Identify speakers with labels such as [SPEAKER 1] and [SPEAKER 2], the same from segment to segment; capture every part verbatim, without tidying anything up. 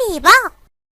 [SPEAKER 1] มีเปล่า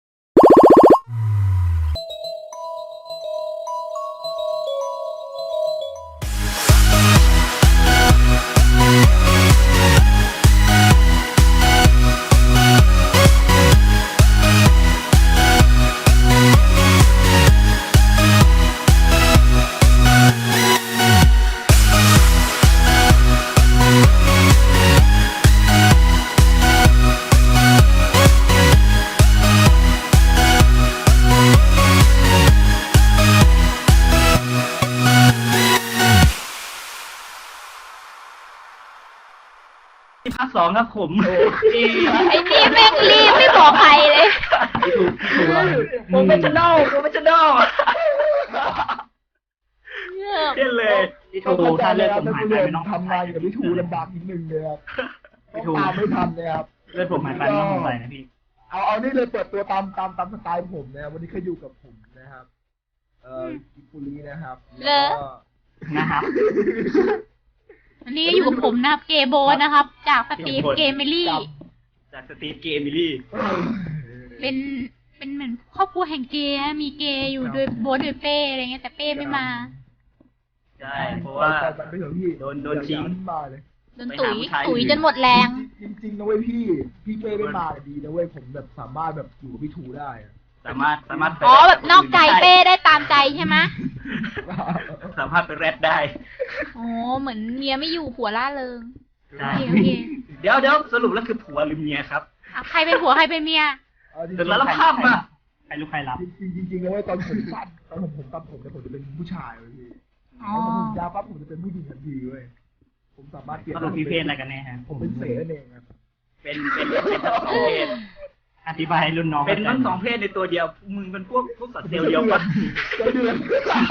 [SPEAKER 2] ภาคสองครับผมไอ้
[SPEAKER 3] ไอ้นี่แม่งรีบไม่บอกใครเลย
[SPEAKER 2] ถูกถูกโปรเฟชชั่นอลโปรเฟชชั่นอลเล่นเลยพี่ทูถ้าเลือดผมหายไปไม่ต้อง
[SPEAKER 4] ทำงานกับพี่ทูลำบากนิดนึงเลยครับ
[SPEAKER 2] พี่ทู
[SPEAKER 4] ตามไม่ทันเลยครับ
[SPEAKER 2] เลือดผมหายไปไม่ต้องสงสัยนะพี่
[SPEAKER 4] เอาเอานี่เลยเปิดตัวตามตามตามสไตล์ผมนะครับวันนี้เขาอยู่กับผมนะครับเอ่อกิปุรีนะครับ
[SPEAKER 3] เหรอ
[SPEAKER 4] แล้วก็
[SPEAKER 2] นะครับ
[SPEAKER 3] วันนี้อยู่กับผมนะครับเกโบนะครับ จากสตีฟเกมเมลี่
[SPEAKER 2] จากสตีฟเกมมิลี่
[SPEAKER 3] เป็นเป็นเหมือนครอบครัวแห่งเกย์นะมีเกย์อยู่โดยโบทโดยเป้อะไรเงี้ยแต่เป้ไม่มา
[SPEAKER 2] ใช่เพราะว่า
[SPEAKER 4] ไปไปเถอะพี่
[SPEAKER 2] โดนโดนทิ้ง
[SPEAKER 4] อย่าให้มาเลย
[SPEAKER 3] โดนตุ๋ย
[SPEAKER 2] ไปหาผู้ชาย
[SPEAKER 3] ตุ๋ยจนหมดแรง
[SPEAKER 4] จริงๆนะเว้ยพี่พี่เป้ไม่มาดีนะเว้ยผมแบบสามารถแบบอยู่กับพี่ทูได้อะ
[SPEAKER 2] สามารถสามารถไป
[SPEAKER 3] อ๋อแบบนอกใจเป้ได้ตามใจใช่ไหม
[SPEAKER 2] สามารถไปแรดได้
[SPEAKER 3] อ๋อเหมือนเมียไม่อยู่ผัวล่าเริง
[SPEAKER 2] ใช่
[SPEAKER 3] โอเคโอเค
[SPEAKER 2] เดี๋ยวเดี๋ยวสรุปแล้วคือผัวหรือเมียครับ
[SPEAKER 3] อ่ะใครเป็นผัวใครเป็นเมีย
[SPEAKER 4] เอาจริง
[SPEAKER 2] เสร็จแล้วข้ามมาใครรู้ใครรับ
[SPEAKER 4] ๆจริงๆจริงๆนะเว้ยตอนผมตัดตอนผมผมตัดผมเนี่ยผมจะเป็นผู้ชายเว้ยพี่
[SPEAKER 3] อ๋อ
[SPEAKER 4] พอผมยาวปั๊บผมจะเป็นผู้หญิงทันทีเว้ยผมสามารถเปลี่ยน
[SPEAKER 2] สรุปพี่เพศอะไรกันแน่ฮะ
[SPEAKER 4] ผมเป็นเสนั่นเองครับ
[SPEAKER 2] เป็นเป็นเป็นทั้งสองเพศ อธิบายให้รุ่นน้องเป็นทั้งสองเพศในตัวเดียว มึงเป็นพวกพวกสัตว์เซลล์เดียวกัน
[SPEAKER 4] ใจเดือน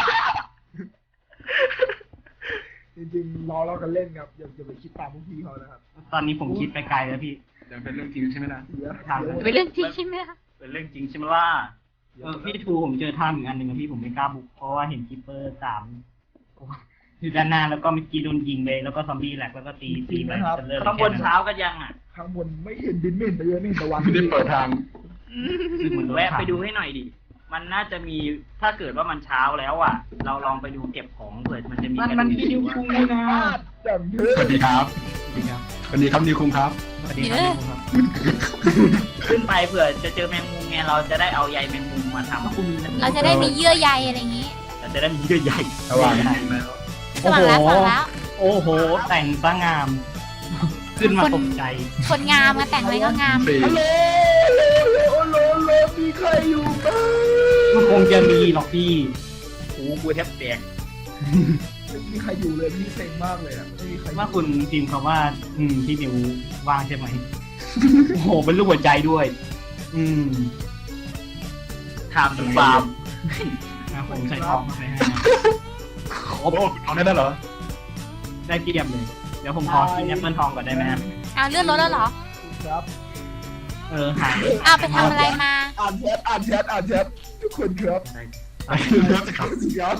[SPEAKER 4] จริงๆรอเรากันเล่นครับอย่าอย่าไปคิดตามพวกพี่เขานะครับ
[SPEAKER 2] ตอนนี้ผมคิดไปไกลแล้วพี่
[SPEAKER 5] ยังเป็นเรื่องจริงใช่ไหมล่ะ
[SPEAKER 4] เดี๋ยว
[SPEAKER 2] ถาม
[SPEAKER 4] ดี๋ยว
[SPEAKER 3] เป็นเรื่องจริงใช่ไหมคะ
[SPEAKER 2] เป็นเรื่องจริงใช่ไหมล่ะเออพี่ทูผมเจอท่าอีกอันหนึ่งนะพี่ผมไม่กล้าบุกเพราะว่าเห็นคิปเปอร์สามอยู่ด้านหน้าแล้วก็เมื่อกี้โดนยิงไปแล้วก็ซอมบี้แหลกแล้วก็ตีตีไปจะเลิกข้างบนเช้าก็ยังอ่ะ
[SPEAKER 4] ข้างบนไม่เห็นดินไม่เห็นตะเยอะไม่เห็นตะวัน
[SPEAKER 5] ไม่ได้เปิดทาง
[SPEAKER 2] คือเหมือนแวะไปดูให้หน่อยดิมันน่าจะมีถ้าเกิดว่ามันเช้าแล้วอ่ะ เราลองไปดูเก็บของเผื่อมันจะมี
[SPEAKER 5] มันมันพี่นิวคุงนี่นะ
[SPEAKER 4] จังเถอะ
[SPEAKER 5] สวัสดีครับ
[SPEAKER 2] สวัสดีครับ
[SPEAKER 5] สวัสดีครับนิวคุงครับ
[SPEAKER 2] สวัสดีครับขึ้นไปเผื่อจะเจอแมงมุมไงเราจะได้เอาใยแมงมุมมาทำคุณ
[SPEAKER 3] เราจะได้มีเยื่อใยอะไรอย่างนี้
[SPEAKER 2] เราจะได้มีเยื่อใย
[SPEAKER 5] ระหว่างนี้แล้ว
[SPEAKER 3] สว่างแล้วสว่างแล้ว
[SPEAKER 2] โอ้โห แต่งซะงาม ขึ้นมาตกใจ
[SPEAKER 3] คนงามมาแต่งอะไรก็งาม
[SPEAKER 5] สี่
[SPEAKER 4] ฮัลโหลโอ้โหโหลมีใครอยู่บ้าง
[SPEAKER 2] มันคงจะมีหรอกพี่โอ้กูแทบแตก
[SPEAKER 4] ไม่มีใครอยู่เลยพี่เซ็งมากเลยอ่ะไม่มีใคร
[SPEAKER 2] ว่าคุณพิมพ์คำว่า อืมพี่นิวว่างใช่ไหม โอ้โห เป็นรูปหัวใจด้วย อืมถามถึงฟาร์มนะผมใส่ทองมาไปให้
[SPEAKER 5] โอ้โหเอาได้แล้วเหรอ
[SPEAKER 2] ได้เกียบเลย เดี๋ยวผมขอกินแอปเปิลทองก่อนได้ไหมครับ
[SPEAKER 3] เอาเลื่อนรถแล้วเหรอ
[SPEAKER 4] ครับ
[SPEAKER 2] เออหา
[SPEAKER 3] เอาไปทำอะไรมา
[SPEAKER 4] อ่านแชทอ่านแชทอ่านแชททุกคนครับ
[SPEAKER 5] ไปเริ่มครับ
[SPEAKER 4] ครับ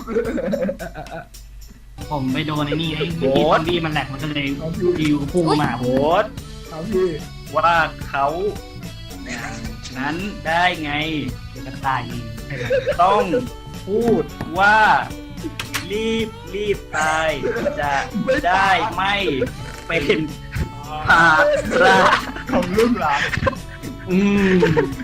[SPEAKER 2] ผมไปโดนไอ้นี่ไอ้เมื่อกี้ซอมบี้มันแหลกมันก็เลยดิวพุ่งมาโหด
[SPEAKER 4] ครับพี่
[SPEAKER 2] ว่าเขาอย่างนั้นได้ไงเดี๋ยวจะตายเองต้องพูดว่ารีบรีบตายจะได้ไม่เป็นภาระ
[SPEAKER 4] ของลูกหลาน
[SPEAKER 2] อืม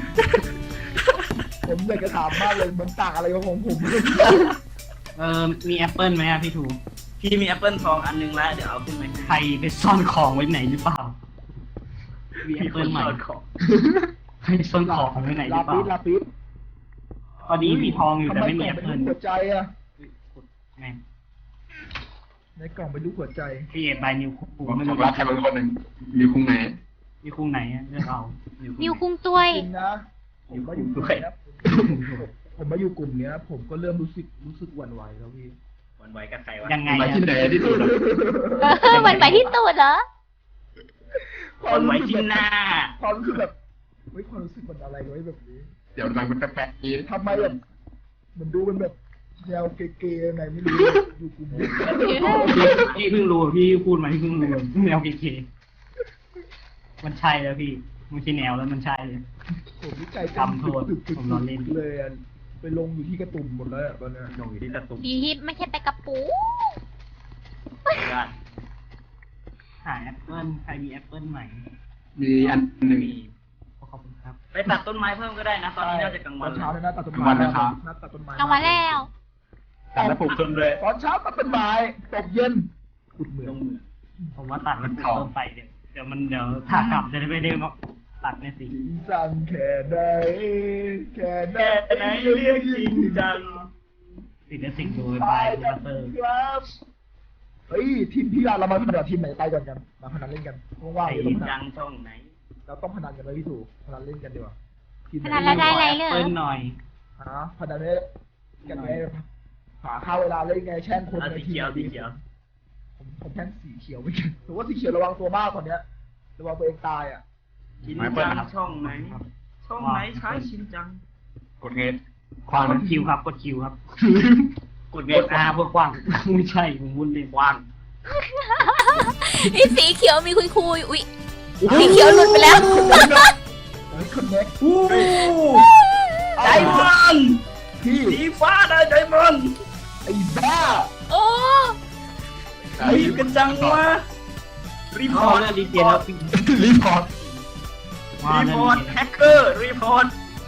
[SPEAKER 4] ผมอยากจะถามมากเลยมันต่างอะไรกับของผม
[SPEAKER 2] เออมีแอปเปิลไหมอะพี่ถูพี่มีแอปเปิลทองอันนึงแล้วเดี๋ยวเอาขึ้นไหมใครไปซ่อนของไว้ไหนหรือเปล่ามีแอปเปิลใหม่ใครซ่อนของไว้ไหนหรือเป
[SPEAKER 4] ลาปิด
[SPEAKER 2] ล่า
[SPEAKER 4] ลาปิด
[SPEAKER 2] พอดีมีทองอยู่แต่ไม่มี
[SPEAKER 4] ทำ
[SPEAKER 2] แอป
[SPEAKER 4] กล่
[SPEAKER 2] เปิ
[SPEAKER 4] ง
[SPEAKER 2] ล
[SPEAKER 4] เป็นรูปหัวใจอะ
[SPEAKER 2] แม่ง
[SPEAKER 4] ในกล่องเป็นรูปหัวใจ
[SPEAKER 2] พี่เอ็ดบายนิวคู
[SPEAKER 5] ผม
[SPEAKER 2] ไม่
[SPEAKER 5] บอ
[SPEAKER 2] รู้
[SPEAKER 5] กรักใครบางคนหนึ่งนิวคุงไหน
[SPEAKER 2] นิวคุงไหนอะเลือกเอา
[SPEAKER 3] นิวคุ้งตัวย
[SPEAKER 4] จริงนะผมมาอยู่กลุ่มเนี้ยผมมาอยู่กลุ่มเนี้ย ผมก็เริ่มรู้สึกรู้สึกหวั่นไหวแล้วพี่
[SPEAKER 2] หวันไหวกับใครวะยังไง
[SPEAKER 5] ไป
[SPEAKER 2] อะ
[SPEAKER 5] ที่ไหนที่สุดอะ
[SPEAKER 3] เออมันไปที่ตูดเหรอ
[SPEAKER 2] หวันไหวที่หน้า
[SPEAKER 4] ความรู้สึกแบบเฮ้ยความรู้สึกมันอะไรไว้แบบนี้
[SPEAKER 5] เดี๋ยวมันเป็นแปลกๆนี้
[SPEAKER 4] ทำไมแบบมันดูเป็นแบบแนวเก๋ๆไงไม่รู้อยู่กลุ่มนี้
[SPEAKER 2] พี่เพิ่งรู้พี่พูดมาพี่เพิ่งรู้แนวเก๋ๆมันใช่แล้วพี่มันใช่แนวแล้วมันใช่เลย
[SPEAKER 4] โคผมวิจัย
[SPEAKER 2] ทำโทษ
[SPEAKER 4] ตึกตึก
[SPEAKER 2] ผมนอนเล่น
[SPEAKER 4] เลยอะไปลงอยู่ที่กระตุ่มหมดแล้วอะตอนเนี้ย
[SPEAKER 2] ลงอยู่ที่ตะตุ่ม
[SPEAKER 3] ดีที่ไม่ใช่ไปกระปู
[SPEAKER 2] ญาติหาแอปเปิ้ลใครมีแอปเปิ้ลใหม่
[SPEAKER 5] มีอันหนึ่ง
[SPEAKER 2] มีขอบคุณครับ ไปตัดต้นไม้เพิ่มก็ได้นะ ตอนนี้น่าจะกลาง
[SPEAKER 4] ต
[SPEAKER 2] วั
[SPEAKER 4] อน น
[SPEAKER 2] แล้
[SPEAKER 4] เช้าว เนี่ยนะตัดต้น
[SPEAKER 5] กลางวั
[SPEAKER 4] ไม้
[SPEAKER 5] นนะครับ
[SPEAKER 4] นัดตัดต้นไม้
[SPEAKER 3] กลางวันแล้ว
[SPEAKER 5] ตัดแล้วปลูกต้นเลย
[SPEAKER 4] ตอนเช้าตัดต้นไม้ตกเย็นขุดเหมือ
[SPEAKER 2] ล
[SPEAKER 4] ง
[SPEAKER 2] งมือผมว่าตัดมันต้นไปเดี๋ยวเดี๋ยวมันเดี๋ยวถ้ากลับจะได้ไม่ได้มาตัดในสิ
[SPEAKER 4] จริงจังแค่ไหนแค่ไหน
[SPEAKER 2] แค่ไหนเรียกจริงจังติดในสิ่งโดยบายคูเตอร์
[SPEAKER 4] ครับเฮ้ยทีมพี่เราเรามาพนันทีมไหนไปก่อนกันมาพนันเล่นกันว่างๆ
[SPEAKER 2] ไอ้
[SPEAKER 4] เดี๋ยว
[SPEAKER 2] จริ
[SPEAKER 4] เรา
[SPEAKER 2] งจังช่องไหน
[SPEAKER 4] เราต้องพนันกันเลยพี่ถูกพนันเล่นกันดีกว่าทีม
[SPEAKER 3] พนันแล้วได้อะไรเหรอ
[SPEAKER 2] เปิ้ลหน่อย
[SPEAKER 4] ฮะพนันเล่นกันไงหาค่าเวลาเล่นไงแช่งคน
[SPEAKER 2] เอา
[SPEAKER 4] ใน
[SPEAKER 2] สี
[SPEAKER 4] ทีม
[SPEAKER 2] เขียว
[SPEAKER 4] ดี
[SPEAKER 2] สีเขียว
[SPEAKER 4] ผมผมแช่งสีเขียวไม่ใช่ถือว่าสีเขียวระวังตัวมากตอนเนี้ยระวังตัวเองตายอ่ะ
[SPEAKER 2] ชินจังช่องไหน ช่องไหนใช้ชินจัง
[SPEAKER 5] กดเงยควาง
[SPEAKER 2] กดคิวครับกดคิวครับ กดเงยอาเพื่อกว้างไม่ใช่ผมวุ่นเลยกว้าง
[SPEAKER 3] ไอ้สีเขียวมีคุยคุยอุ้ยสีเขียวหลุดไปแล้ว
[SPEAKER 4] เฮ้ยคนเน็ก
[SPEAKER 2] อู้ไดมอนด์
[SPEAKER 4] พี่
[SPEAKER 2] สีฟ้าได้ไดมอนด์
[SPEAKER 4] ไอ้บ้า
[SPEAKER 3] โอ้
[SPEAKER 2] รีบกันจังวะรีพอร์ตรีเจนแล้ว
[SPEAKER 5] รีพอร์ต
[SPEAKER 2] รีพอร์ตแฮกเกอร์รีพอร์ต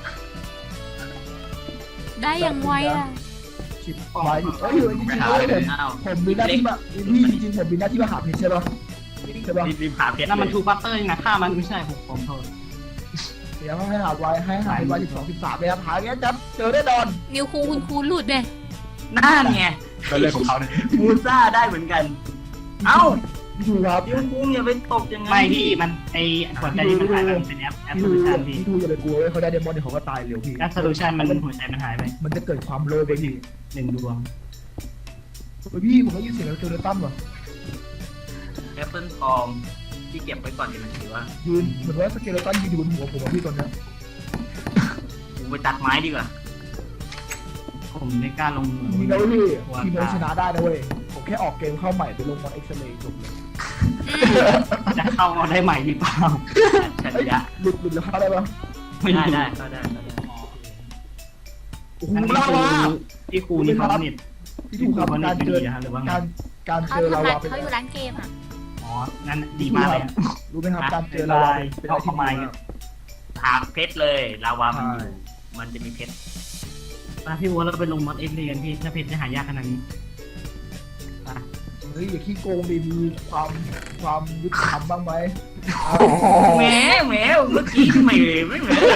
[SPEAKER 3] ได้อย่างไวอ่ะ
[SPEAKER 4] ชิบหายเอ้ยจริงๆแล้วผม
[SPEAKER 2] อ้าว
[SPEAKER 4] ผมมีหน้าที่มาพี่จริงๆผมมีหน้าที่มาหาเพชรใช่ปะใช่ปะ
[SPEAKER 2] รีบรีบหาเพชรนั่นมันทูบัตเตอร์นะฆ่ามันไม่ใช่ผมผมโทษ
[SPEAKER 4] เดี๋ยวให้หาไว้ให้หาไว้สิบสองสิบสามเลยครับหาเงี้ยจับเจอแน่นอน
[SPEAKER 3] นิวคูคุณคูหลุดเลย
[SPEAKER 2] นั่นไง
[SPEAKER 5] ก็เรื่องของเขาเนี่ย
[SPEAKER 2] มูซ่าได้เหมือนกัน เอ้า
[SPEAKER 4] พี่ทูครับ
[SPEAKER 2] พี่กุ้งอย่าไปตกอย่างนั้นไม่พี่มันไอหัวใจที่มันหายไปมันเป็นแอปแอป
[SPEAKER 4] พี่
[SPEAKER 2] โซ
[SPEAKER 4] ทู
[SPEAKER 2] ลูชันพี่
[SPEAKER 4] พี่ทูอย่าไปกลัวเว้ยเขาได้เดมอนเดี๋ยวเขาก็ตายเร็วพี่
[SPEAKER 2] แอปโซลูชันมันหัวใจมันหายไป
[SPEAKER 4] มันจะเกิดความโลภไปพี่
[SPEAKER 2] หนึ่งดวง
[SPEAKER 4] เฮ้ยพี่ผมได้ยินเสียงเจอเรือตั้มเหรอ
[SPEAKER 2] แอปเปิลทองที่เก็บไว้ก่อนเดี๋ยวมันถือว่า
[SPEAKER 4] ยืนเหมือนว่าสเกเลตันยืนอยู่บนหัวผมอะพี่ตอนเนี้ย
[SPEAKER 2] กูไปตัดไม้ดีกว่า ผมไม่กล้าลงเหมือง
[SPEAKER 4] มีนะเว้ยพี่ทีมเราชนะได้นะเว้ยผมแค่ออกเกมเข้าใหม่ไปลงมอนเอ็กซ์เรย์จบเลย
[SPEAKER 2] จะเข้ามาได้ใหม่หรือเปล่าฉัน
[SPEAKER 4] เอ้ย
[SPEAKER 2] จะ
[SPEAKER 4] หลุดหลุดแล้วเข้าได้ปะ
[SPEAKER 2] ไม่ได้ได้เข้าได้เข้าได้
[SPEAKER 4] โอ้โห
[SPEAKER 2] งั้นพี่
[SPEAKER 4] ลา
[SPEAKER 2] ครู
[SPEAKER 4] วา
[SPEAKER 2] พี่ครูนี่เขาเน็ต
[SPEAKER 4] พี่ถูกครับการเจอ
[SPEAKER 2] ดีนะครับหรือว่าไง
[SPEAKER 4] การการเจ
[SPEAKER 3] เขา
[SPEAKER 4] อ
[SPEAKER 3] ทำ
[SPEAKER 4] ลา
[SPEAKER 3] ร้าน
[SPEAKER 4] วาเป็น
[SPEAKER 3] เขาอยู่ร้านเกมอ่ะ
[SPEAKER 2] อ๋องั้นดีมากเลยอะ
[SPEAKER 4] รู้ไหมครับการเจอลาวาเป็นอะไรที่ดีมาก
[SPEAKER 2] หาเพชรเลยลาวามันอยู่มันจะมีเพชรมาพี่วัวเราไปลงมอดเอ็กซ์เรียนพี่ถ้าเพชรจะหายากขนาดนี้ไป
[SPEAKER 4] เฮ้ยอย่าขี้โกงดิมีความความยุติธรรมบ้างไหม
[SPEAKER 2] แหมแหมเมื่อกี้ไม่ไม่เหมือน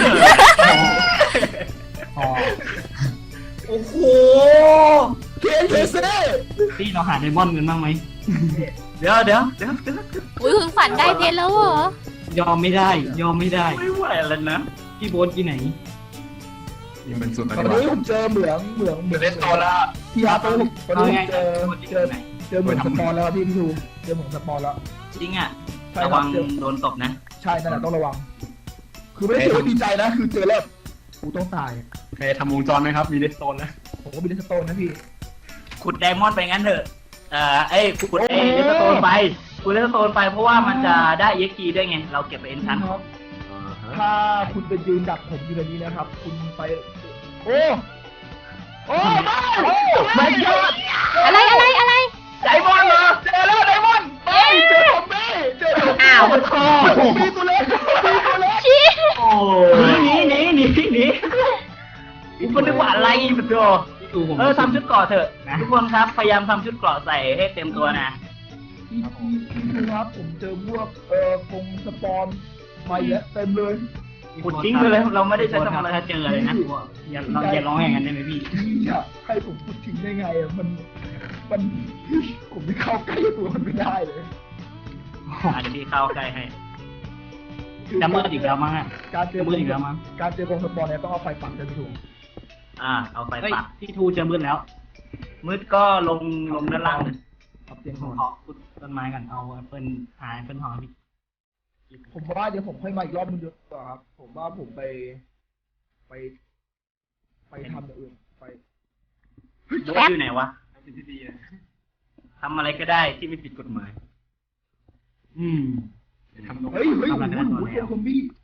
[SPEAKER 2] โอ้โห
[SPEAKER 4] เคเคเซ่
[SPEAKER 2] พี่เราหาไดมอนด์กันบ้างไหมเดี๋ยวเดี๋ยวเดี๋ยวเดี๋ยว
[SPEAKER 3] อุ้ยคุณขวัญได้เพชรแล้วเหรอ
[SPEAKER 2] ยอมไม่ได้ ยอมไม่ได้ไม่ไหวแล้วนะพี่โบ๊ทที่ไหน
[SPEAKER 5] ยังเป็นส่วน
[SPEAKER 4] ต
[SPEAKER 5] ป
[SPEAKER 4] อน
[SPEAKER 5] ฏิบัติ
[SPEAKER 4] นี้ผมเจอเหมืองเหมืองเหมือง
[SPEAKER 5] เล่นตัวละ
[SPEAKER 4] พี่อาร์ตอนนี้ตอน
[SPEAKER 2] เอา
[SPEAKER 4] นี้
[SPEAKER 2] ไง
[SPEAKER 4] ผมเจอเจอเจอเหมืองสปอนแล้วพี่พี่ทูเจอเหมืองสปอนแล้ว
[SPEAKER 2] จริงอ่ะ
[SPEAKER 4] ใช่
[SPEAKER 2] ระ
[SPEAKER 4] ครั
[SPEAKER 2] วั
[SPEAKER 4] บ
[SPEAKER 2] ง
[SPEAKER 4] เจอ
[SPEAKER 2] โดนตบนะ
[SPEAKER 4] ใช่นั่นแหละต้องระวัง คือไม่ได้เจอดีใจนะ คือเจอแล้วกูต้องตาย
[SPEAKER 5] ใครทำวงจรไหมครับ มีเลสโตนแล้ว
[SPEAKER 4] ผมก็มีเลสโตนนะพี่
[SPEAKER 2] ขุดไดมอนด์ไปงั้นเถอะเอ่อเอ้ยขุดเอ้ยเลสโตนไปขุดเลสโตนไปเพราะว่ามันจะได้เอ็กซ์ด้วยไงเราเก็บไปเอ็นชั้น
[SPEAKER 4] ครับถ้าคุณไปยืนดักผมอยู่ในนี้นะครับ คุณไป โอ้ โอ้ไม่โอ้ไม่ยอด
[SPEAKER 3] อะไรอะไรอะไร
[SPEAKER 2] ไดมอนด์เหรอ
[SPEAKER 4] เจอแล้วไดมอนด์ไม่เจอผมไม่เจอผม
[SPEAKER 2] อ้าวโธ่
[SPEAKER 4] มีตัวเล็กมีตัวเล็ก
[SPEAKER 3] ชี้
[SPEAKER 2] โอ้หนีหนีหนีหนีกูก็นึกว่าอะไรปะโธ่เออทำชุดเกราะเถอะทุกคนครับพยายามทำชุดเกราะใส่ให้เต็มตัวนะ
[SPEAKER 4] พี่พี่พี่ดูครับผมเจอพวกเอ่อกงสปอนมาเยอะเต็มเลย
[SPEAKER 2] ขุดทิ้งไปเลยเราไม่ได้ใช้ทำอะไรถ้าเจอเลยนะอย่าเราอย่าร้องอย่างนั้นได้ไหมพี่
[SPEAKER 4] พี่อะให้ผมพูดทิ้งได้ไงอะมันมันผมไม่เข้าใกล้ตัวมันไม่ได้เลย
[SPEAKER 2] อาจจะพี่เข้าใกล้ให้จะมืดอีกแล้วมั้งอ่ะ
[SPEAKER 4] การเจอ
[SPEAKER 2] จะมืดอีกแล้วมั้ง
[SPEAKER 4] การเจอกงสปอนเนี่ยต้องเอาไฟปักจะถูก
[SPEAKER 2] อ่า เอาไฟปักพี่ทูจะมืดแล้ว มืดก็ลงลงด้านล่างเลย
[SPEAKER 4] ครับเตียง
[SPEAKER 2] ผ
[SPEAKER 4] ห
[SPEAKER 2] ม
[SPEAKER 4] อน
[SPEAKER 2] ขอขุดต้นไม้ก่อนเอาแอปเปิลหาแอปเปิลหอมพี่
[SPEAKER 4] ผมว่าเดี๋ยวผมค่อยมาอีกรอบนึงดีกว่าครับ ผมว่าผมไป ไป ไปทำอย่างอื่นไป
[SPEAKER 2] โบ๊ทอยู่ไหนวะทำอะไรก็ได้ที่ไม่ผิดกฎหมาย อืม
[SPEAKER 5] ทำตรง
[SPEAKER 4] เฮ้ยเฮ้ยโอ้โหโอ้โหซอมบี้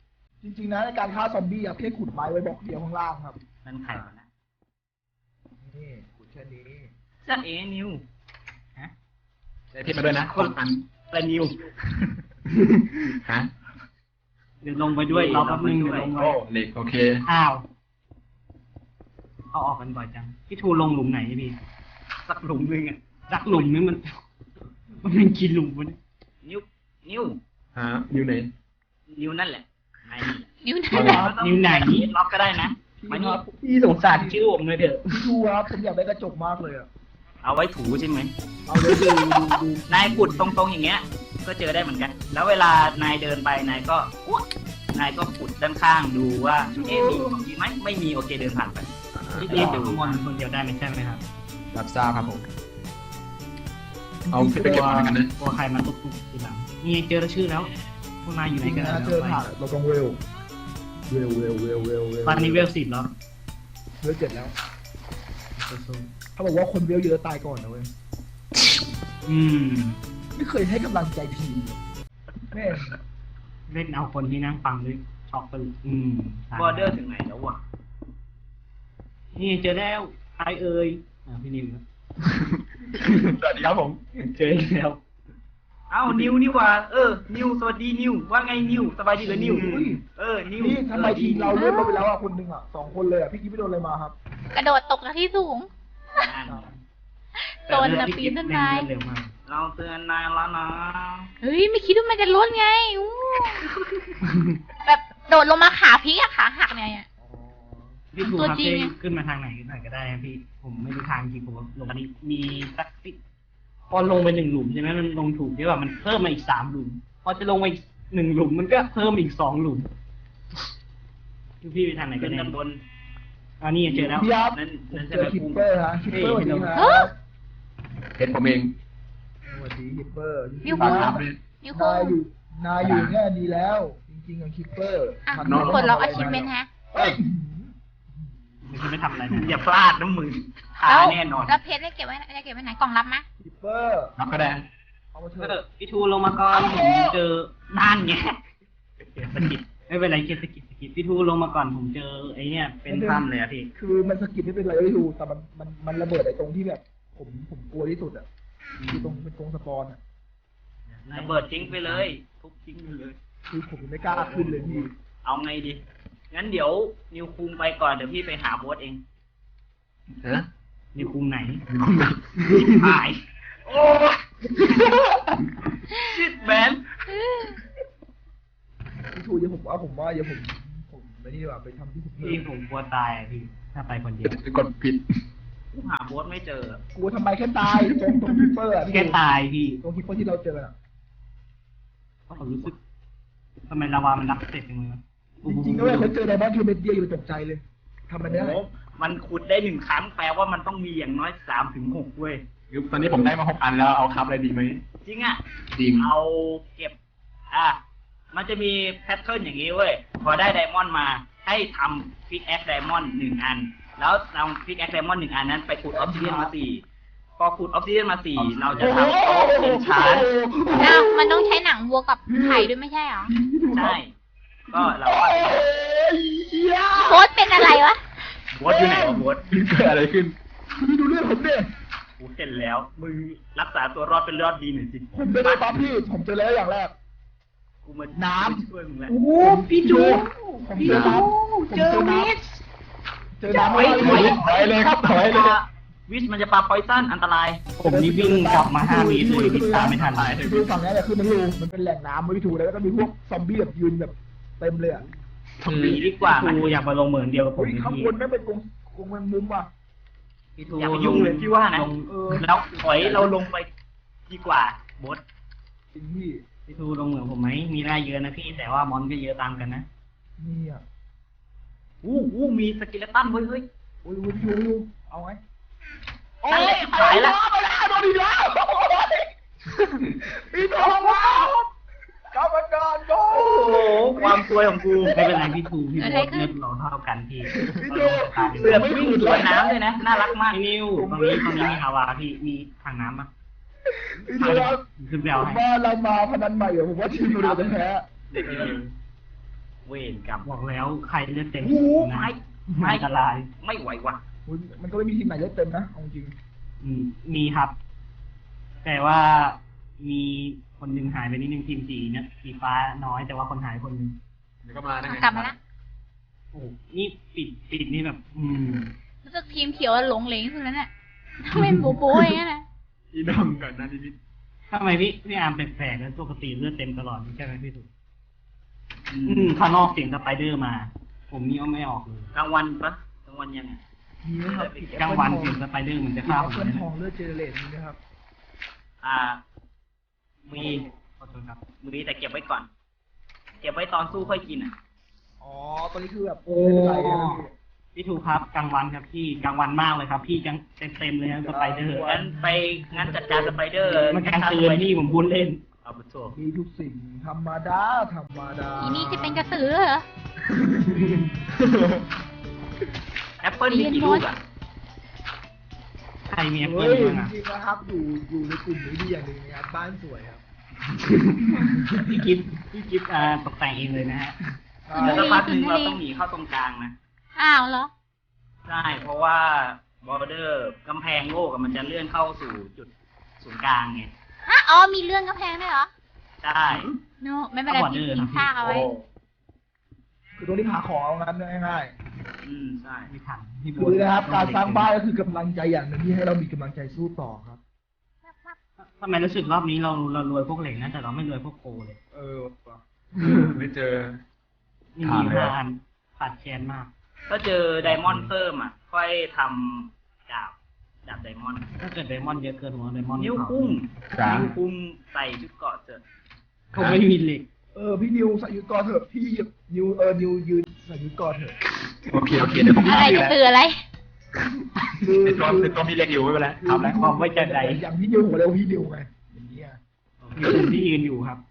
[SPEAKER 4] จริงๆนะในการฆ่าซอมบี้อะเพียงขุดไม้ไว้บล็อกเดียวข้างล่างครับ
[SPEAKER 2] นั่นใครวะนะ
[SPEAKER 4] นี่ขุดแค่นี้
[SPEAKER 2] จ้าเอนิวฮะ
[SPEAKER 5] ได้เพชรมาด้วยนะคนอัน
[SPEAKER 2] อะไรนิว
[SPEAKER 5] ฮะ
[SPEAKER 2] เดี๋ยวลงไปด้วยรอแป๊บนึงเดี๋ยวลงไป
[SPEAKER 5] โอ้เหล็กโอเค
[SPEAKER 2] อ้าวเขาออกกันบ่อยจังพี่ทูลงหลุมไหนพี่สักหลุมนึงอ่ะสักหลุมนึงมัน มันเป็นกี่หลุมวะเนี่ยนิ้วนิ้ว
[SPEAKER 5] ฮะอยู่ไหน
[SPEAKER 2] นิ้วนั่นแหละไหน
[SPEAKER 3] นิ้วไหน
[SPEAKER 5] เอาเหรอ
[SPEAKER 2] นิ้วไหนล็อกก็ได้นะมานี่พี่สงสารชื่อผมเลยเถอะ
[SPEAKER 4] พี่ดูครับผมอยากได้กระจกมากเลยอะ
[SPEAKER 2] เอาไว้ถูใช่ไหม
[SPEAKER 4] เอาเลยดูดูดู
[SPEAKER 2] นายขุดตรงๆอย่างเงี้ย ก็เจอได้เหมือนกัน แล้วเวลานายเดินไปนายก็อุ๊ยนายก็ขุดด้านข้างดูว่าเอ๊ะมีของดีไหมไม่มีโอเคเดินผ่านไปที่นี่ดูมอนคนเดียวได้ไหมใช่ไหมครับ
[SPEAKER 5] รับทราบครับผมเอาเพชรไปเก็บมาแล้วกันนะ
[SPEAKER 2] กลัวใครมาตุกตุกทีหลังนี่เจอแล้วชื่อแล้วพวกนายอยู่ไหน
[SPEAKER 4] จริง
[SPEAKER 2] กัน
[SPEAKER 4] นะเจอถ่ายเราต้องเวลเวลเวลเวลเวลเวล
[SPEAKER 2] ตอนนี้เวลสิบแล้ว
[SPEAKER 4] เวลเจ็ดแล้วเขาบอกว่าคนเวลเยอะตายก่อนนะเว้ย
[SPEAKER 2] อืม
[SPEAKER 4] ไม่เคยให้กำลังใจทีมแม่
[SPEAKER 2] เล่นเอาคนที่นั่งฟังด้วยช็อกไปเลยอืมบอร์เดอร์ถึงไหนแล้ววะนี่เจอแล้วใครเอ่ยอ่าพี่นิวครับ
[SPEAKER 5] สวัสดีครับผม
[SPEAKER 2] เจออีกแล้วเอ้านิวนี่หว่าเออนิวสวัสดีนิวว่าไงนิวสบายดีเหรอนิว
[SPEAKER 4] อุ้ย
[SPEAKER 2] เออนิว
[SPEAKER 4] นี่ทำไมทีมเราเลื่อนลงไปแล้วอ่ะคนหนึ่งอ่ะสองคนเลยอ่ะพี่กิ๊ฟไปโดนอะไรมาครับ
[SPEAKER 3] กระโดดตกจากที่สูง โดนนะปีนต้นไม้
[SPEAKER 2] เร็วมากเราเตือนนายแล้วนะ
[SPEAKER 3] เฮ้ยไม่คิดว่ามันจะลดไงอู้แบบโดดลงมาขาพลิกอะขาหักเนี่ย
[SPEAKER 2] พี่ถูก
[SPEAKER 3] ตัว
[SPEAKER 2] ครับ
[SPEAKER 3] จริง
[SPEAKER 2] เต้
[SPEAKER 3] ไง
[SPEAKER 2] ขึ้นมาทางไหนหน่อยก็ได้นะพี่ ผมไม่รู้ทางจริงผมลงอันนี้มีสักสิพอลงไปหนึ่งหลุมใช่ไหมมันลงถูกใช่ป่ะมันเพิ่มมาอีกสามหลุม พอจะลงไปอีกหนึ่งหลุมมันก็เพิ่มอีกสองหลุมพี่ไปทางไหนกันเนี่ยบนอันนี้เจอแล้ว
[SPEAKER 4] พี่ครับ
[SPEAKER 2] นั่น
[SPEAKER 4] ผม
[SPEAKER 2] นั่น
[SPEAKER 4] เจ
[SPEAKER 2] ใช่
[SPEAKER 4] อ
[SPEAKER 2] ไหม
[SPEAKER 4] คิป
[SPEAKER 2] กุ้ง
[SPEAKER 4] เปอร์ฮะคิปเปอร์สวัสดีค
[SPEAKER 3] เฮ้
[SPEAKER 4] รั
[SPEAKER 3] ย
[SPEAKER 4] บ
[SPEAKER 5] เพชรผมเอง
[SPEAKER 4] สวัสดีคิปเปอร์
[SPEAKER 3] นิ้ว
[SPEAKER 5] ฝา
[SPEAKER 3] โป้
[SPEAKER 5] ก
[SPEAKER 3] ง
[SPEAKER 5] ถามด้วย
[SPEAKER 3] นิ้วโป้
[SPEAKER 4] นาย
[SPEAKER 3] ง
[SPEAKER 4] อยู่นายอยู่เนี่ยดีแล้ว จริงๆอะคิปเปอร์
[SPEAKER 3] อ่ะ
[SPEAKER 4] ทำ
[SPEAKER 5] น้อง
[SPEAKER 3] กดล็อกอาชีพเมนฮะ
[SPEAKER 4] เอ้ย
[SPEAKER 2] ไม่ใช่ไม่ทำอะไรนะอย่าพลาดนะมึงหา
[SPEAKER 3] แล้ว
[SPEAKER 2] แน่นอน
[SPEAKER 3] แล้วเพชรได้เก็บไว้ได้เก็บไว้ไหนกล่องรับมะ
[SPEAKER 4] คิปเปอร์
[SPEAKER 5] รับก็ได้
[SPEAKER 4] เอามาเถ
[SPEAKER 2] เออ
[SPEAKER 4] อะ
[SPEAKER 2] พี่ทูลงมาก่อนผมเจอด้านไงเกียสกิดไม่เป็นไรเกียสกิดสกิดพี่ทูลงมาก่อนผมเจอไอ้เนี่ยเป็นถ้ำเลยอะพี่
[SPEAKER 4] คือมันสกิดไม่เป็นไรไม่รู้แต่มันมันมันระเบิดไอ้ตรงที่แบบ ผมผมกลัวที่สุดอ่ะคือตรงเป็นตรงสปอนอ่ะ
[SPEAKER 2] ระเบิดทิ้งไปเลยทุบทิ้งไปเลย
[SPEAKER 4] คือผมไม่กล้าขึ้นเลยพี่
[SPEAKER 2] เอาไงดี งั้นเดี๋ยวนิวคุงไปก่อนเดี๋ยวพี่ไปหาโบสเอง
[SPEAKER 5] ฮะ
[SPEAKER 2] นิวคุงไหน
[SPEAKER 5] มีคนไหน
[SPEAKER 2] หาย โอ้ชิดแมน
[SPEAKER 4] พี่ทูอย่าผมว่าผมว่าอย่าผมผมไม่นี่ดีกว่าไปทำที่ผมเพิ่
[SPEAKER 2] พี่
[SPEAKER 4] ม
[SPEAKER 2] ผมกลัวตายอะพี่ ถ้าไปคนเดียว
[SPEAKER 5] กดผิด
[SPEAKER 2] กูหาโบสไม่เจอก
[SPEAKER 4] ลัวทำไมแค่ตายตรงตรงคิปเปอร์อ่ะพี่
[SPEAKER 2] แค่ตายพี่
[SPEAKER 4] ตรงคิปเปอร์ที่เราเจออ่ะ
[SPEAKER 2] เพราะผมรู้สึกทำไมลาวามันรับเสร็จจังเลยวะ
[SPEAKER 4] จริงๆด้วยเขาเจอไดมอนด์คือเม็ดเดียวอยู่ตกใจเลยทำมันได้
[SPEAKER 2] โอ้โหมันขุดได้หนึ่งครั้งแปลว่ามันต้องมีอย่างน้อยสามถึงหกเว้ย
[SPEAKER 5] คือตอนนี้ผมได้มาหกอันแล้วเอาครับอะไรดีไหม
[SPEAKER 2] จริงอ่ะ
[SPEAKER 5] ดี
[SPEAKER 2] เอาเก็บ อ่ะ มันจะมีแพทเทิร์นอย่างนี้เว้ย พอได้ไดมอนด์มา ให้ทำพิกแอคไดมอนด์หนึ่งอัน แล้วนำพิกแอคไดมอนด์หนึ่งอันนั้นไปขุดออฟซิเดียนมาสี่ พอขุดออฟซิเดียนมาสี่ เราจะทำโต๊ะเอนชาน
[SPEAKER 3] อ้าวมันต้องใช้หนังวัวกับไข่ด้วยไม่ใช่เหรอ
[SPEAKER 2] ใช่ ก็เราก็
[SPEAKER 3] โค้ดเป็นอะไรวะ
[SPEAKER 2] บดอยู่ไหนวะบด
[SPEAKER 5] เกิดอะไรขึ้น
[SPEAKER 4] พี่ดูเรื่องผมเนี่ย
[SPEAKER 2] กูเห็นแล้ว มึงรักษาตัวรอดเป็นรอดดีหน่อยสิ
[SPEAKER 4] ผมไม่ได้ปั๊บพี่ ผมเจอแล้วอย่างแรก
[SPEAKER 2] กูมา
[SPEAKER 4] น้ำ
[SPEAKER 2] ช่วยมึงแล้ว
[SPEAKER 4] โอ้โหพี่จูผมเจอน้ำเจอวิสเจอน้ำ
[SPEAKER 2] เฮ้ย
[SPEAKER 4] ไม่
[SPEAKER 5] ถอยเลยครับถอยเลย
[SPEAKER 2] วิชมันจะปาพอยซันอันตราย ผมนี่วิ่งกลับมาห้าวิเลยพิษตามไม่ทัน
[SPEAKER 4] คือฝั่งนี้แหละคือมันรูมันเป็นแหล่งน้ำไม่ถูกแล้วก็มีพวกซอมบี้แบบยืนแบบเต็มเลยอ่ะ
[SPEAKER 2] ดีดีกว่ากูอยากมาลงเหมือนเดียวกับผม
[SPEAKER 4] เฮ้ยข้าง
[SPEAKER 2] พี่
[SPEAKER 4] บนไม่เป็นกรงกรงแมงมุมว่ะ
[SPEAKER 2] อย่าไปยุ่งเลยพี่ว่านะ
[SPEAKER 4] เออ
[SPEAKER 2] แล้วถอยเราลงไปดีกว่าบด
[SPEAKER 4] จริงพี่
[SPEAKER 2] พี่ทูลงเหมือนผมไหมมีได้เยอะนะพี่แต่ว่ามอนก็เยอะตามกันนะ
[SPEAKER 4] นี่อ่ะ
[SPEAKER 2] อู้อู้มีสกิเลตันเฮ้ยเฮ้ย
[SPEAKER 4] โอ้ยวิววิวเอาไง
[SPEAKER 2] นั่นแหละหายละ
[SPEAKER 4] โดนอีกแล้วพี่ทองว้าวกรรมการโด
[SPEAKER 2] โอ้โห
[SPEAKER 4] น
[SPEAKER 2] ความซวยของกูไม่เป็นไรพี่ทูพี่บดเลือดเราเท่ากันพี่
[SPEAKER 4] พี่ดู
[SPEAKER 2] เสือกวิ่งสวนน้ำเลยนะน่ารักมากนิวตรงนี้ตรงนี้มีฮาวาพี่มีทางน้ำปะ
[SPEAKER 4] พี่ดูครับ
[SPEAKER 2] คือแบ
[SPEAKER 4] ผ
[SPEAKER 2] ล
[SPEAKER 4] ม
[SPEAKER 2] ให้
[SPEAKER 4] ว่าเรามาพนันใหม่เหรอผมว่าทีมเราจะแพ้
[SPEAKER 2] เด็กนิว
[SPEAKER 4] โ
[SPEAKER 2] เวรกรรม
[SPEAKER 1] บอกแล้วใครเลือดเต็ม
[SPEAKER 2] โอ้โห
[SPEAKER 1] นะ
[SPEAKER 2] ไม่
[SPEAKER 1] ไม่อันตราย
[SPEAKER 2] ไม่ไหวว่ะ
[SPEAKER 4] คุณมันก็ไม่มีทีมไหนเลือดเต็มนะเอาจริง
[SPEAKER 1] อืมมีครับ แต่ว่ามีคนหนึ่งหายไปนิดนึงทีมสีเนี่ยสีฟ้าน้อยแต่ว่าคนหายคนหนึ่ง
[SPEAKER 5] เดี๋ยวก็มาได้ไง
[SPEAKER 3] กลับมาละ
[SPEAKER 1] โอ้โหนี่ปิดปิดนี่แบบ อืม
[SPEAKER 3] รู้สึกทีมเขียวหลงเหลงสุดแล้วเนี่ยทำไมโบโบอย่างนั้นนะ
[SPEAKER 5] อีดำก่อนนะนิด
[SPEAKER 1] ทำไมพี่พี่อาร์มแปลกๆแล้วปกติเลือดเต็มตลอดใช่ไหมพี่ถูก
[SPEAKER 2] อื
[SPEAKER 1] อื
[SPEAKER 2] ม
[SPEAKER 1] มข้างนอกเสียงสไปเดอร์มา ผมนี่เอาไม่ออกเลย
[SPEAKER 2] กลางวันปะกลางวันยังไง
[SPEAKER 4] ๆมีไหมครับ
[SPEAKER 1] กลางวันเสียงสไปเดอร์เหมือนจะฆ่า
[SPEAKER 4] แอ
[SPEAKER 1] ผ
[SPEAKER 4] ป
[SPEAKER 1] ม
[SPEAKER 4] เปิ
[SPEAKER 1] เล
[SPEAKER 4] ล
[SPEAKER 1] ย
[SPEAKER 4] ทองเลือดเจเนเรตมีนะครับ
[SPEAKER 2] อ่า มี
[SPEAKER 1] ขอโทษครับ
[SPEAKER 2] มีแต่เก็บไว้ก่อน เก็บไว้ตอนสู้ค่อยกินอ่ะ
[SPEAKER 4] อ๋อตอนนี้คือแบบ
[SPEAKER 1] โอ้
[SPEAKER 4] ไม่เป็นไรนะพี่
[SPEAKER 1] พี่ถูกครับกลางวันครับพี่กลางวันมากเลยครับ พี่จังเต็มเต็มๆเลยครับสไปเดอร์
[SPEAKER 2] งั้นไปงั้นจัดการสไปเดอร์
[SPEAKER 1] มันกลางคืนพี่ผมพูดเล่น
[SPEAKER 2] เอาไปโชว์
[SPEAKER 4] มีทุกสิ่งธรรมดาธรรมดา
[SPEAKER 3] อีนี่จะเป็นกระสือเหรอ
[SPEAKER 2] แอปเปิลมีกี่ลูกอ่ะ
[SPEAKER 1] ใครมีแอปเปิ
[SPEAKER 4] เฮ้
[SPEAKER 1] ล
[SPEAKER 4] ย
[SPEAKER 1] บ้างอ่ะ
[SPEAKER 4] จริงๆนะครับอยู่อยู่ในกลุ่มนี้ดีอย่างหนึ่งนะครับบ้านสวยครับ
[SPEAKER 1] พี่กิฟต์พี่กิฟต์อ่าตกแต่งเองเลยนะฮะ
[SPEAKER 4] อ่า
[SPEAKER 2] แล้วสักพักหนึ่งเราต้องหนีเข้าตรงกลางนะ
[SPEAKER 3] อ้าวเหรอ
[SPEAKER 2] ใช่ เพราะว่าบอร์เดอร์กำแพงโลกอะมันจะเลื่อนเข้าสู่จุดศูนย์กลางไง
[SPEAKER 3] ฮะ อ๋อ มีเรื่องกำแพงด้วยเหรอ
[SPEAKER 2] ใช่
[SPEAKER 3] โน ไม่เป็นไรพี่ทิ้งซากเอาไว้
[SPEAKER 4] คือตรงนี้หาของเอางั้นง่าย
[SPEAKER 2] อืมใช่
[SPEAKER 1] ไม่ทันพี่
[SPEAKER 4] ๆ
[SPEAKER 1] โบ๊
[SPEAKER 4] คือ
[SPEAKER 1] ท
[SPEAKER 4] นะครับการสร้างบ้านก็คือกำลังใจอย่างหนึ่งที่ให้เรามีกำลังใจสู้ต่อครับ
[SPEAKER 1] ทำไมรู้สึกรอบนี้เราเรารวยพวกเหล็กนะแต่เราไม่รวยพวกโกเลย
[SPEAKER 4] เออ
[SPEAKER 5] ๆไม่เจอ
[SPEAKER 1] นี่
[SPEAKER 5] ขา
[SPEAKER 1] มี
[SPEAKER 5] ดเลย
[SPEAKER 1] ห้าอันขาดแคลนมาก
[SPEAKER 2] ถ้าเจอไดมอนด์เพิ่มอ่ะ ค่อยทำดาบดาบไดมอนด์
[SPEAKER 1] ถ้าเกิดไดมอนด์เยอะเกินหัวไดมอนด์
[SPEAKER 2] นิ้ว
[SPEAKER 1] เผา
[SPEAKER 2] คุ้ม
[SPEAKER 5] จ้า
[SPEAKER 2] นิ้วคุ้มใส่ชุดเกราะเสร็จ
[SPEAKER 1] ผมไม่มีเหล็ก
[SPEAKER 4] เออพี่นิวใส่ยุทธกรเถอะพี่นิวเออนิวยืนใส่ยุทธกรเถอะ
[SPEAKER 5] โอเคโอเคเดี๋ยวผม
[SPEAKER 3] อะไร
[SPEAKER 5] ทำอยู่
[SPEAKER 3] จะ
[SPEAKER 5] แล้ว
[SPEAKER 3] คืออะไร
[SPEAKER 4] คือ
[SPEAKER 5] ในตัวในตัวมีเล็กอยู่ไม่เป็นไรทำแล้ว
[SPEAKER 1] ความไว้ใจใด
[SPEAKER 4] อย่างพี่นิวหัวเร็วพี่นิวไงอย่างเงี้ย
[SPEAKER 1] มีคนที่ยืนอยู่ครับ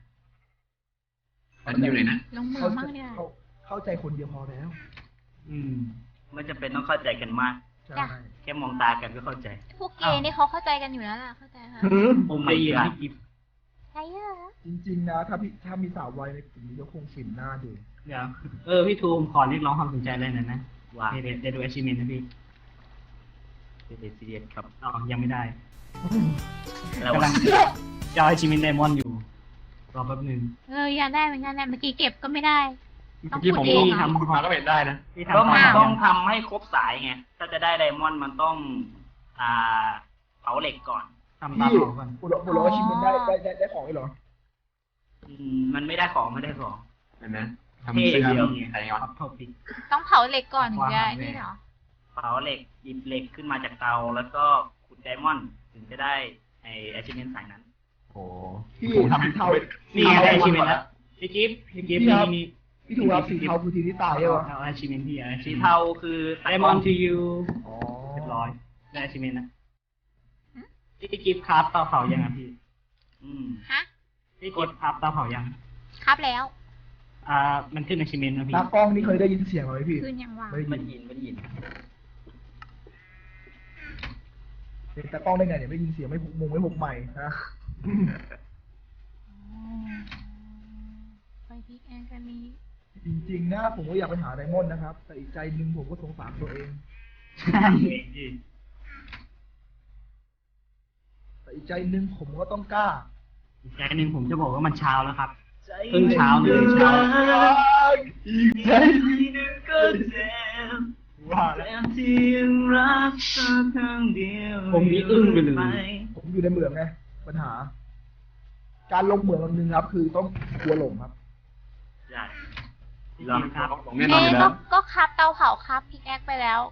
[SPEAKER 5] อันนี้อยู่ไหนนะ
[SPEAKER 3] ลงมือ
[SPEAKER 4] เข้า
[SPEAKER 3] มั่งเนี่ย
[SPEAKER 4] เข้าเข้าใจคนเดียวพอแล้ว
[SPEAKER 1] อืม
[SPEAKER 2] ไม่จำเป็นต้องเข้าใจกันมาก
[SPEAKER 4] ใช่
[SPEAKER 3] จ้ะ
[SPEAKER 2] แค่มองตากันก็เข้าใจ
[SPEAKER 3] พวกเกย์นี่เขาเข้าใจกันอยู่แล้วล่ะ เข้าใจค่ะ
[SPEAKER 1] ผมได้ยินพี่กิฟต์
[SPEAKER 3] ใช่เหรอ
[SPEAKER 4] จริงๆนะถ้าพี่ถ้ามีสาววัยในกลุ่มนี้ก็คงฟินหน้าดู
[SPEAKER 1] เดี๋ยวเออพี่ทูมขอเรียกร้องความสนใจเลยหน่อยนะ
[SPEAKER 2] ว่า
[SPEAKER 1] เดี๋ยวเดี๋ยวดู achievement นะพี่
[SPEAKER 2] เป็นซีเรียสครับ
[SPEAKER 1] อ๋อยังไม่ได้
[SPEAKER 2] แล้ว
[SPEAKER 1] กำลังจะเอา achievement diamond อยู่ รอแป๊บหนึง
[SPEAKER 3] เอออยากได้เหมือนกันนะเมื่อกี้เก็บก็ไม่ได้ ต้
[SPEAKER 5] เมื่
[SPEAKER 3] อง
[SPEAKER 5] อกี้ผม
[SPEAKER 3] ขุดเอง
[SPEAKER 5] ลง
[SPEAKER 3] อะ
[SPEAKER 5] ทำคุณมาก็เป็นได้นะ
[SPEAKER 1] พี่
[SPEAKER 2] ก็
[SPEAKER 1] ทำ
[SPEAKER 2] มัน
[SPEAKER 1] ตาม
[SPEAKER 2] ต้องทำให้ครบสายไง ถ้าจะได้ไดมอนด์มันต้อง อ่าเผาเหล็กก่อน
[SPEAKER 1] ทำตาม
[SPEAKER 4] พี่
[SPEAKER 1] ผมก่อน
[SPEAKER 4] บุรุษบุรุษว่าชิมมันได้ได้ได้ได้ของเลยเหรอ
[SPEAKER 2] อืมมันไม่ได้ของไม่ได้ของ
[SPEAKER 5] เห็นไหมทำเสื้อ
[SPEAKER 2] เท่เดียว
[SPEAKER 5] ใส่ก่อน
[SPEAKER 1] ครับโทษพี่
[SPEAKER 3] ต้องเผาเหล็กก่อนถึงจะ
[SPEAKER 1] วางไว้
[SPEAKER 3] นี่เหรอ
[SPEAKER 2] เผาเหล็กหยิบเหล็กขึ้นมาจากเตา แล้วก็ขุดไดมอนด์ถึงจะได้ไอแอชิเมนต์สายนั้น
[SPEAKER 5] โอ้
[SPEAKER 4] พี่
[SPEAKER 5] ผมทำ
[SPEAKER 4] สีเทา
[SPEAKER 1] นี่ไงได้
[SPEAKER 4] สี
[SPEAKER 1] achievement
[SPEAKER 4] เทา
[SPEAKER 1] แล้วพี่กิฟต์พี่กิฟต์
[SPEAKER 4] พี่ครับ
[SPEAKER 1] นี่
[SPEAKER 4] พี่ถูกครับสีเทาคือทีมที่ตายใช่ปะ
[SPEAKER 1] เอา achievement พี่เอา
[SPEAKER 2] สี
[SPEAKER 1] achievement
[SPEAKER 2] เทาคือตะกอน
[SPEAKER 1] diamond to you
[SPEAKER 4] อ๋อ
[SPEAKER 1] เรียบร้อยได้ achievement นะ
[SPEAKER 3] หืม
[SPEAKER 1] พี่กิฟต์ครับเตาเผายังอ่ะพี่
[SPEAKER 2] อืม
[SPEAKER 3] ฮะ
[SPEAKER 1] พี่กิฟต์ครับเตาเผายัง
[SPEAKER 3] ครับแล้ว
[SPEAKER 1] อ่ามันขึ้น achievement นะพี่
[SPEAKER 4] ตากล้องนี่เคยได้ยินเสียงไหมพี่
[SPEAKER 3] คืนยังวาง
[SPEAKER 4] ไม่
[SPEAKER 2] ไม่
[SPEAKER 4] ได้
[SPEAKER 2] ได้
[SPEAKER 4] ยิน
[SPEAKER 2] ยินไม่ได้ยิน
[SPEAKER 4] เป็นตากล้องได้ไงเนี่ยไม่ยินเสียงไม่พกมุงไม่พกใหม่นะ
[SPEAKER 3] ไปพิกแอนกันนี้
[SPEAKER 4] จริงๆนะผมก็อยากไปหาไดมอนด์นะครับ แต่อีกใจหนึ่งผมก็สงสารตัวเอง
[SPEAKER 1] ใช่พี่
[SPEAKER 4] แต่อีกใจหนึ่งผมก็ต้องกล้า
[SPEAKER 1] อีกใจหนึ่งผมจะบอกว่ามันเช้าแล้วครับ
[SPEAKER 2] ใจ
[SPEAKER 1] เพิ่งเช้าเลยเช้า
[SPEAKER 4] อีกใจ
[SPEAKER 2] ที่หนึ่งก็เจ็บ
[SPEAKER 4] ว่า
[SPEAKER 2] แต่
[SPEAKER 4] แล้ว
[SPEAKER 2] ที่ยังรักเธอครั้งเดียว
[SPEAKER 1] ผมนี่อึ้งไปเลย
[SPEAKER 4] ผมอยู่ในเหมืองไงปัญหา การลงเหมืองอันหนึ่งครับ คือต้องกลัวหลงครับ
[SPEAKER 2] ใช่
[SPEAKER 1] พี่กิฟต์ครับ
[SPEAKER 5] ของแน่นอนอ
[SPEAKER 3] เอ๊ะ
[SPEAKER 5] ยู่แล้
[SPEAKER 3] ก็
[SPEAKER 5] ว
[SPEAKER 3] ก็ครับเตาเผาครับพิกแอคไปแล้ว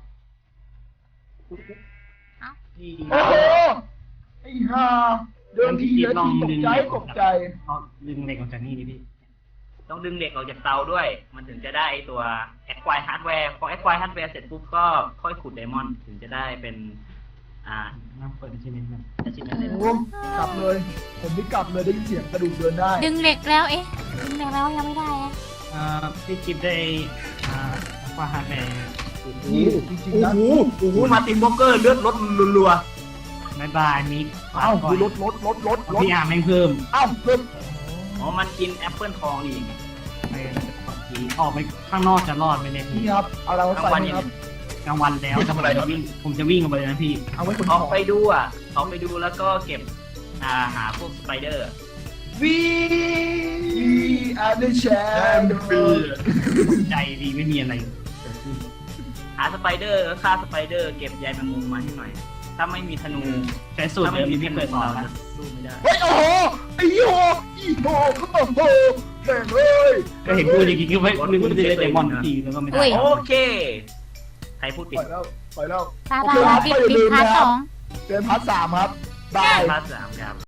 [SPEAKER 1] พี่
[SPEAKER 4] โอ้โหไอ้ห่าเดินทีเดินทีตกใจตกใจ
[SPEAKER 1] เอาดึงเหล็กออกจากนี่ดิพี่
[SPEAKER 2] ต้องดึงเหล็กออกจากเตาด้วย มันถึงจะได้ไอ้ตัว acquire hardware พอ acquire hardware เสร็จปุ๊บก็ค่อยขุดไดมอนด์ถึงจะได้เป็น อ่า
[SPEAKER 1] น้ำเปิด achievement กัน
[SPEAKER 2] achievement
[SPEAKER 4] โอ้โหกลับเลย ผมไม่กลับเลยได้ยินเสียงกระดูกเดินได้
[SPEAKER 3] ดึงเหล็กแล้ว เอ๊ะ ดึงเหล็กแล้วยังไม่ได้อะ
[SPEAKER 1] อ่าพี่กิฟต์ได้อ่าว่าฮาร์ดแวร์
[SPEAKER 4] นี่จริงๆนะ
[SPEAKER 2] โอ้โหมาตินบล็อกเกอร์เลือดลดรัว
[SPEAKER 1] บายบายมิก
[SPEAKER 4] เอ้าดูรถรถรถรถรถ
[SPEAKER 1] พี่อาร์มแม่งเพิ่ม
[SPEAKER 4] เอ้าเพิ่ม
[SPEAKER 2] ๆอ๋อ มันกินแอปเปิลทองอีก
[SPEAKER 1] ไปผีออกไปข้างนอกจะรอดไหมเนี่ย
[SPEAKER 4] นี่
[SPEAKER 1] พี่
[SPEAKER 4] ครับเอาเรา
[SPEAKER 2] กลาง
[SPEAKER 4] ใส่
[SPEAKER 2] วัน
[SPEAKER 4] นี่
[SPEAKER 2] ยัง
[SPEAKER 4] ครับ
[SPEAKER 1] กลางวันแล้ว
[SPEAKER 5] ไม่ทำอะไรครับ
[SPEAKER 1] ผมจวิ่งผมจะวิ่งออกไปเลยนะพี่
[SPEAKER 4] เอาไว้คน
[SPEAKER 2] ออกไปดูอ่ะออกไปดูแล้วก็เก็บอ่าหาพวกสไปเดอร์
[SPEAKER 4] วีอันเดอร์แชมป์
[SPEAKER 1] ใจดีไม่มีอะไรเกิดขึ้น
[SPEAKER 2] หาสไปเดอร์ก็ฆ่าสไปเดอร์เก็บใยแมงมุมมาให้หน่อย ถ้าไม่มีธนู
[SPEAKER 1] ใช้สูตร
[SPEAKER 2] ถ้า
[SPEAKER 1] เดิ
[SPEAKER 2] ไม่
[SPEAKER 1] ม
[SPEAKER 2] มี
[SPEAKER 1] ที่
[SPEAKER 2] ธ
[SPEAKER 1] พี่
[SPEAKER 2] นู
[SPEAKER 1] เคยสอน
[SPEAKER 2] เรา
[SPEAKER 1] นะ
[SPEAKER 2] จะสู้ไม่ได้
[SPEAKER 4] เฮ้ยโอ้โหไอ้โหอีโหโอ้โหแม่งเอ้ย
[SPEAKER 1] ก็เห็นพูดอย่างนี้ก็ไม่นึกว่าจะได้เดมอนทีแล้วก็ไม่ได้
[SPEAKER 3] อุ้ย
[SPEAKER 2] โอเค ใครพูด
[SPEAKER 4] ป
[SPEAKER 2] ปิด
[SPEAKER 4] ล่อยแล้วปล่อยแล้ว
[SPEAKER 3] ตาลาปิดปิดพาร์ทสอง
[SPEAKER 4] เดือนพาร์ทสามครับบาย
[SPEAKER 2] พาร์ทสามครับ